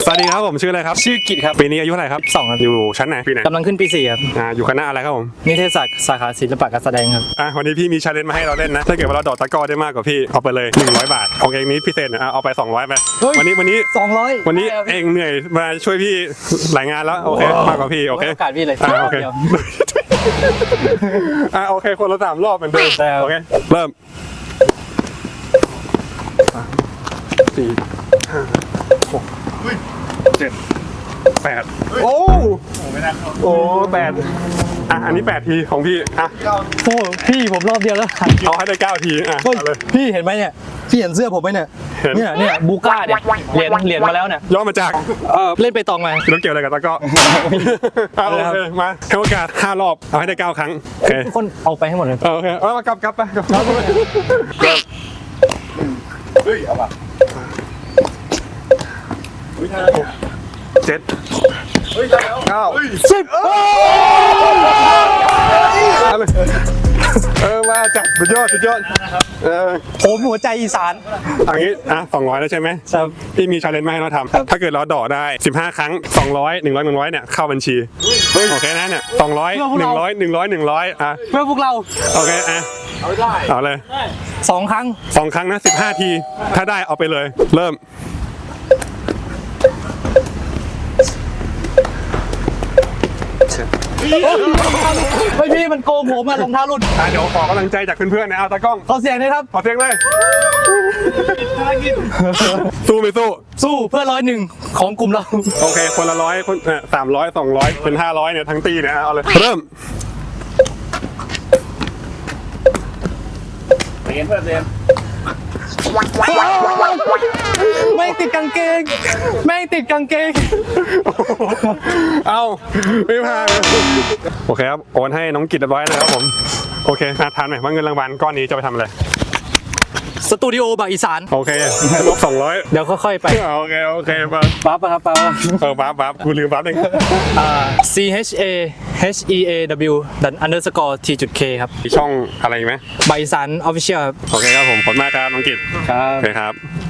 สวัสดีครับผมชื่ออะไรครับชื่อกิจครับปีนี้อายุเท่าไหร่ครับ 2ครับอยู่ชั้นไหนปีไหนกำลังขึ้นปี4ครับอยู่คณะอะไรครับผมนิเทศศาสตร์สาขาศิลปะการแสดงครับวันนี้พี่มีชาเลนจ์มาให้เราเล่นนะถ้าเกิดว่าเราดอกตะกร้อได้มากกว่าพี่เอาไปเลย100 บาทของเองนี้พิเศษเอาไป200ไปวันนี้ 200 วันนี้เองเหนื่อยมาช่วยพี่หลายงานแล้วโอเคมากกว่าพี่โอเคโอกาสพี่เลยโอเคโอเคคนละ3 รอบเหมือนเดิมโอเคเริ่ม4 5 6 7 8โอ้โอ้8อันนี้8 ทีของพี่โอ้พี่ผมรอบเดียวแล้วเอาให้ได้9 ทีเลยพี่เห็นไหมเนี่ยพี่เห็นเสื้อผมไหมเนี่ยเนี่ยบูก้าเนี่ยเหรียญมาแล้วเนี่ยย่อมาจากเล่นไปตองมาต้องเกี่ยวอะไรกับตะก้อโอเคมาให้โอกาส5 รอบเอาให้ได้9 ครั้งโอเคทุกคนเอาไปให้หมดเลยโอเคมากลับไปเฮ้ยเอาป่ะ7 9 10มาจับสุดยอดผมหัวใจอีสานอันนี้200แล้วใช่ไหมครับพี่มีชาเลนจ์มาให้เราทำถ้าเกิดเราดอกได้15 ครั้ง200 100 100เนี่ยเข้าบัญชีโอเคนะเนี่ย200 100 100 เพื่อพวกเราโอเคเอาเลย 2 ครั้งนะ15 ทีถ้าได้เอาไปเลยเริ่มไม่พี่มันโกงผมรองเท้าหลุดเดี๋ยวขอกำลังใจจากเพื่อนๆนะเอาตากล้องขอเสียงเลยครับขอเสียงเลยสู้ไม่สู้เพื่อ101ของกลุ่มเราโอเคคนละ100คน300 200เป็น500เนี่ยทั้งตีเนี่ยเอาเลยเริ่มเรียนไม่ติดกางเกงเอาไม่ผ่านโอเคครับโอนให้น้องกิตเรียบร้อยนะครับผมโอเคทานหน่อยว่าเงินรางวัลก้อนนี้จะไปทำอะไรสตูดิโอบางอีสานโอเคลบ200 เดี๋ยวค่อยๆไปโอเคปั๊บครับปั๊บปั๊บกูลืมปั๊บเอง CHASEW_T.K ครับช่องอะไรไหมบางอีสาน Official ครับโอเคครับผมขอบคุณมากครับน้องกิตครับโอเคครับ